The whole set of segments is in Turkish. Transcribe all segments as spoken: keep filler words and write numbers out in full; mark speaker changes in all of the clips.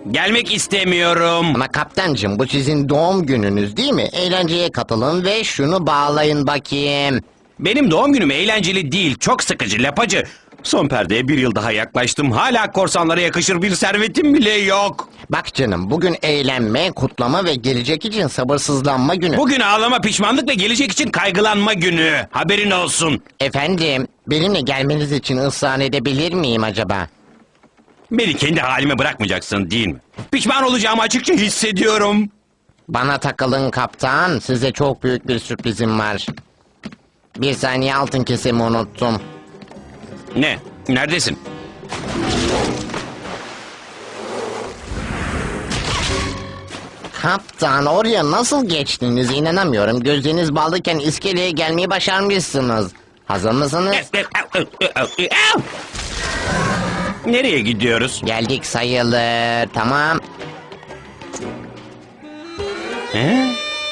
Speaker 1: Gelmek istemiyorum.
Speaker 2: Ama kaptancım, bu sizin doğum gününüz değil mi? Eğlenceye katılın ve şunu bağlayın bakayım.
Speaker 1: Benim doğum günüm eğlenceli değil, çok sıkıcı lapacı. Son perdeye bir yıl daha yaklaştım. Hala korsanlara yakışır bir servetim bile yok.
Speaker 2: Bak canım, bugün eğlenme, kutlama ve gelecek için sabırsızlanma günü.
Speaker 1: Bugün ağlama, pişmanlık ve gelecek için kaygılanma günü. Haberin olsun.
Speaker 2: Efendim, benimle gelmeniz için ısrar edebilir miyim acaba?
Speaker 1: Beni kendi halime bırakmayacaksın değil mi? Pişman olacağımı açıkça hissediyorum.
Speaker 2: Bana takılın kaptan, size çok büyük bir sürprizim var. Bir saniye, altın kesemi unuttum.
Speaker 1: Ne? Neredesin?
Speaker 2: Kaptan, oraya nasıl geçtiniz inanamıyorum. Gözleriniz bağlıyken iskeleye gelmeyi başarmışsınız. Hazır mısınız?
Speaker 1: Nereye gidiyoruz?
Speaker 2: Geldik sayılır, tamam.
Speaker 1: He?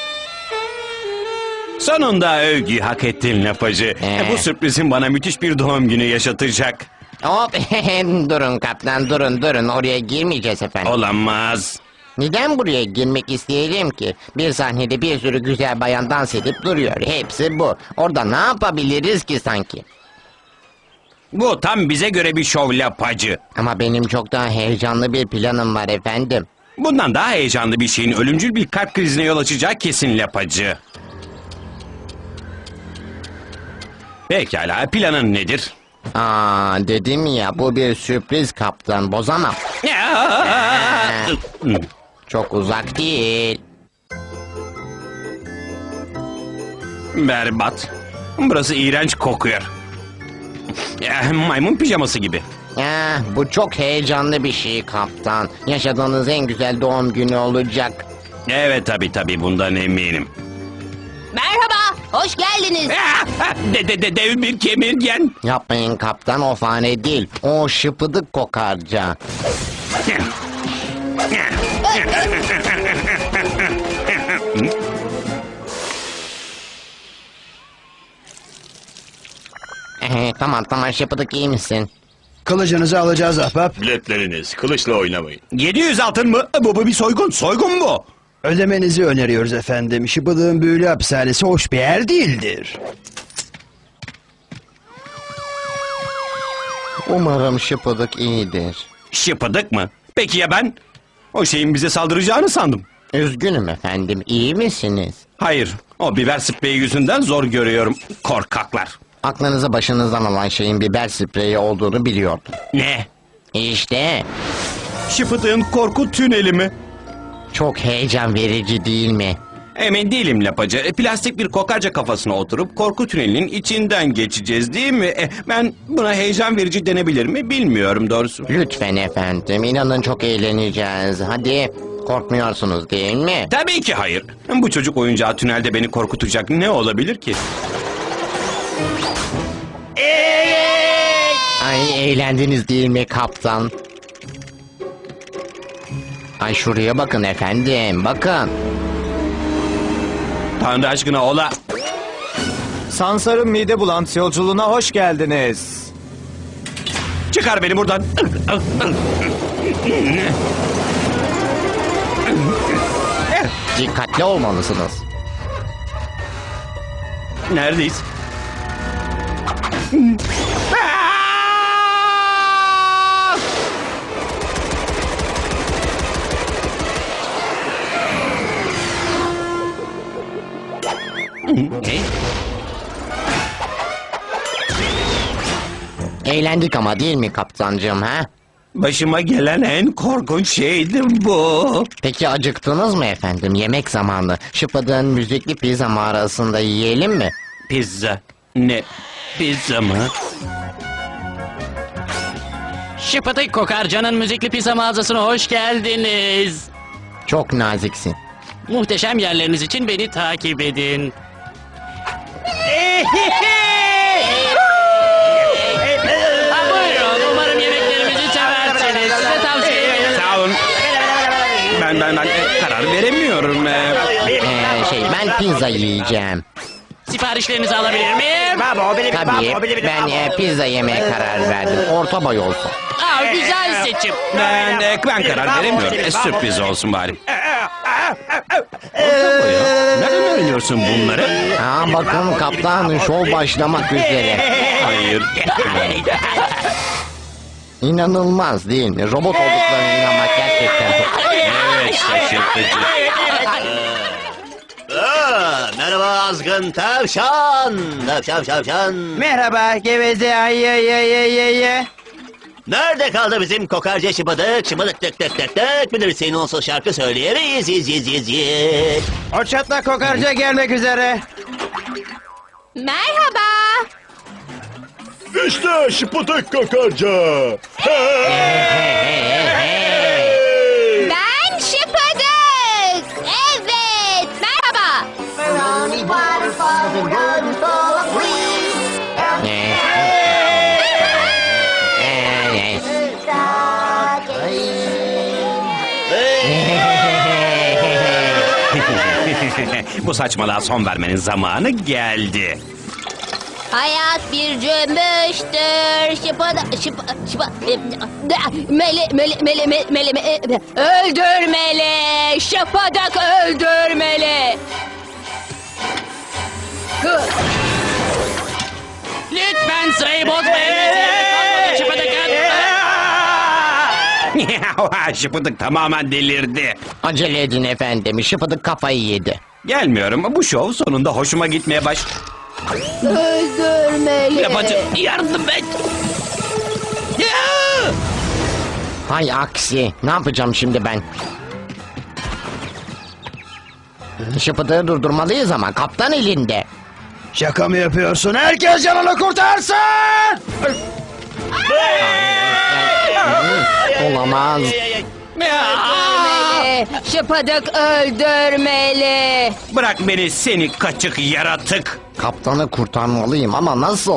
Speaker 1: Sonunda övgüyü hak ettin lapacı.
Speaker 2: Ee?
Speaker 1: Bu sürprizin bana müthiş bir doğum günü yaşatacak.
Speaker 2: Hop, durun kaptan, durun durun, oraya girmeyeceğiz efendim.
Speaker 1: Olamaz.
Speaker 2: Neden buraya girmek isteyelim ki? Bir sahnede bir sürü güzel bayan dans edip duruyor. Hepsi bu. Orada ne yapabiliriz ki sanki?
Speaker 1: Bu tam bize göre bir şov lapacı.
Speaker 2: Ama benim çok daha heyecanlı bir planım var efendim.
Speaker 1: Bundan daha heyecanlı bir şeyin ölümcül bir kalp krizine yol açacağı kesin lapacı. Pekala, planın nedir?
Speaker 2: Aa, dedim ya, bu bir sürpriz kaptan, bozamam. Çok uzak değil.
Speaker 1: Berbat. Burası iğrenç kokuyor. Eh, Maymun pijaması gibi.
Speaker 2: Ah, bu çok heyecanlı bir şey kaptan. Yaşadığınız en güzel doğum günü olacak.
Speaker 1: Evet tabi tabi bundan eminim.
Speaker 3: Merhaba, hoş geldiniz.
Speaker 1: Ah, De, de, de, dev bir kemirgen.
Speaker 2: Yapmayın kaptan, o fare değil. O şıpıdık kokarca. Eh, tamam tamam, şıpıdık, iyi misin?
Speaker 4: Kılıcınızı alacağız ahbap.
Speaker 5: Biletleriniz, kılıçla oynamayın.
Speaker 1: yedi yüz altın mı? Bu, bu bir soygun. Soygun bu.
Speaker 4: Ödemenizi öneriyoruz efendim. Şıbıdığın büyülü hapishanesi hoş bir yer değildir.
Speaker 2: Umarım şıpıdık iyidir.
Speaker 1: Şıpıdık mı? Peki ya ben? O şeyin bize saldıracağını sandım.
Speaker 2: Üzgünüm efendim, iyi misiniz?
Speaker 1: Hayır, o biber spreyi yüzünden zor görüyorum. Korkaklar.
Speaker 2: Aklınızı başınızdan alan şeyin biber spreyi olduğunu biliyordum.
Speaker 1: Ne?
Speaker 2: İşte,
Speaker 1: Şıpıdığın korku tüneli mi?
Speaker 2: çok heyecan verici değil mi?
Speaker 1: Emin değilim lapacı. E, Plastik bir kokarca kafasına oturup korku tünelinin içinden geçeceğiz değil mi? E, ben buna heyecan verici denebilir mi bilmiyorum doğrusu.
Speaker 2: Lütfen efendim, inanın çok eğleneceğiz. Hadi, korkmuyorsunuz değil mi?
Speaker 1: Tabii ki hayır. Bu çocuk oyuncağı tünelde beni korkutacak ne olabilir ki?
Speaker 2: Ay, eğlendiniz değil mi kaptan? Ay, şuraya bakın efendim, bakın.
Speaker 1: Tanrı aşkına ola.
Speaker 6: Sansar'ın mide bulantısı yolculuğuna hoş geldiniz.
Speaker 1: Çıkar beni buradan.
Speaker 2: Dikkatli olmalısınız.
Speaker 1: Neredeyiz? Ne?
Speaker 2: Eğlendik ama değil mi kaptancığım, ha?
Speaker 1: Başıma gelen en korkunç şeydi bu.
Speaker 2: Peki acıktınız mı efendim? Yemek zamanı. Şıpıdığın müzikli pizza mağarasında yiyelim mi?
Speaker 1: Pizza. Ne? Pizza mı?
Speaker 7: Şıpıdık Kokarca'nın müzikli pizza mağazasına hoş geldiniz.
Speaker 2: Çok naziksin.
Speaker 7: Muhteşem yerleriniz için beni takip edin. Ha, buyurun, umarım yemeklerimizi seversiniz. Size tavsiye ederim.
Speaker 1: Sağ olun. Ben ben ben e, karar veremiyorum. E,
Speaker 2: Ee, şey, ben pizza yiyeceğim.
Speaker 7: Siparişlerinizi alabilir miyim?
Speaker 2: Tabii ben e, pizza yemeye karar verdim. Orta boy olsun.
Speaker 7: Aa, güzel seçim.
Speaker 1: Ben, e, ben karar veremiyorum. E, sürpriz olsun bari. Orta boy ya. Nereden öğreniyorsun bunları?
Speaker 2: Aa, bakın kaptan şov başlamak üzere.
Speaker 1: Hayır.
Speaker 2: İnanılmaz değil mi? Robot olduklarına inanmak gerçekten çok...
Speaker 1: Evet, şaşırtıcı.
Speaker 5: Aa, merhaba azgın tavşan. Tavşan tavşan.
Speaker 4: Merhaba geveze ay ay ay ay ay ay.
Speaker 5: Nerede kaldı bizim kokarca şıbıdık? Şıbıdık tık tık tık tık. Bir de senin olsa şarkı söyleyemeyiz. Yiz yiz yiz yiz.
Speaker 4: O çatla kokarca gelmek üzere.
Speaker 3: Merhaba.
Speaker 5: İşte şıbıdık kokarca.
Speaker 3: Ben Şıpadık. Evet. Merhaba.
Speaker 2: Ne? Ee,
Speaker 1: Bu saçmalığa son vermenin zamanı geldi.
Speaker 3: Hayat bir cümbüştür. Şıpadık. Şıpa, şıpa, mele, mele, mele, mele, mele, mele, öldürmeli. Şıpadık öldürmeli.
Speaker 7: Lütfen sırayı bozmayın. Çıpıdıkın.
Speaker 1: Şıpıdık tamamen delirdi.
Speaker 2: acele edin efendim. Şıpıdık kafayı yedi.
Speaker 1: Gelmiyorum. Bu şov sonunda hoşuma gitmeye baş...
Speaker 3: Öldürmeli.
Speaker 1: Yapacak yardım et.
Speaker 2: Hay aksi. Ne yapacağım şimdi ben? Şıpıdığı durdurmalıyız ama kaptan elinde.
Speaker 4: Şaka mı yapıyorsun? Herkes canını kurtarsın!
Speaker 2: Olamaz.
Speaker 3: Öldürmeli. Şıpadık öldürmeli.
Speaker 1: Bırak beni seni kaçık yaratık.
Speaker 2: Kaptanı kurtarmalıyım ama nasıl?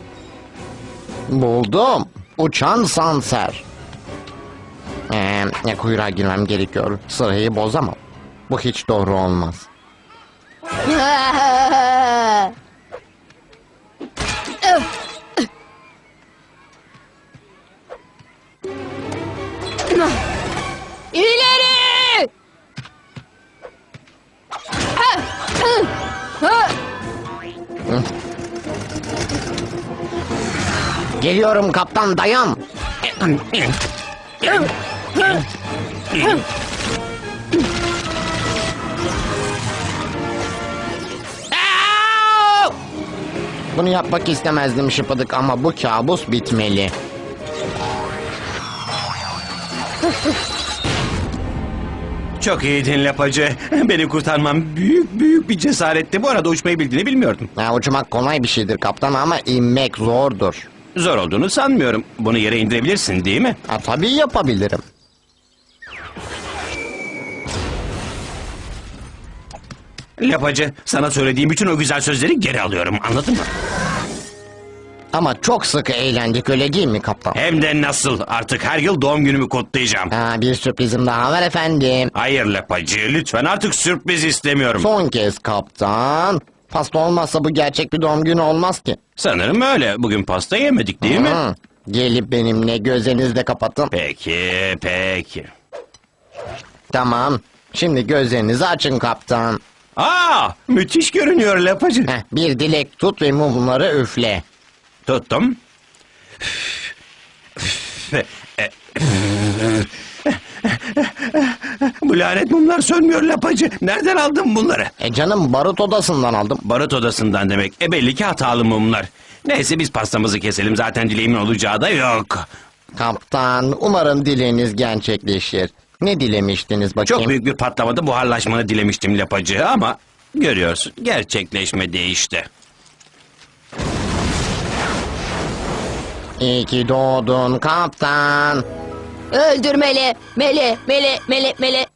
Speaker 2: Buldum. Uçan sanser. Ee, kuyruğa girmem gerekiyor. Sırayı bozamam. Bu hiç doğru olmaz.
Speaker 3: İleri!
Speaker 2: Geliyorum kaptan, dayan. Bunu yapmak istemezdim Şıpıdık ama bu kabus bitmeli.
Speaker 1: Çok iyiydin lapacı. Beni kurtarmam büyük büyük bir cesaretti. Bu arada uçmayı bildiğini bilmiyordum.
Speaker 2: Ya, uçmak kolay bir şeydir kaptan ama inmek zordur.
Speaker 1: Zor olduğunu sanmıyorum. Bunu yere indirebilirsin değil mi?
Speaker 2: Ha, tabii yapabilirim.
Speaker 1: Lapacı, sana söylediğim bütün o güzel sözleri geri alıyorum. Anladın mı?
Speaker 2: Ama çok sıkı eğlendik, öyle değil mi kaptan?
Speaker 1: Hem de nasıl? Artık her yıl doğum günümü kutlayacağım.
Speaker 2: Ha, bir sürprizim daha var efendim.
Speaker 1: Hayır lapacı, lütfen artık sürpriz istemiyorum.
Speaker 2: Son kez kaptan. Pasta olmazsa bu gerçek bir doğum günü olmaz ki.
Speaker 1: Sanırım öyle. Bugün pasta yemedik değil mi?
Speaker 2: Hı. Gelip benimle gözlerinizi de kapatın.
Speaker 1: Peki, peki.
Speaker 2: Tamam. Şimdi gözlerinizi açın kaptan.
Speaker 1: Aa, müthiş görünüyor lapacı.
Speaker 2: Heh, bir dilek tut ve mumları üfle.
Speaker 1: Tuttum. Bu lanet mumlar sönmüyor lapacı. Nereden aldın bunları?
Speaker 2: E canım, barut odasından aldım.
Speaker 1: Barut odasından demek. E belli ki hatalı mumlar. Neyse biz pastamızı keselim. Zaten dileğimin olacağı da yok.
Speaker 2: Kaptan, umarım dileğiniz gerçekleşir. Ne dilemiştiniz bakayım?
Speaker 1: Çok büyük bir patlamada buharlaşmanı dilemiştim lapacı ama... Görüyorsun gerçekleşmedi işte.
Speaker 2: İyi ki doğdun kaptan.
Speaker 3: Öldürmeli. Mele, mele, mele, mele,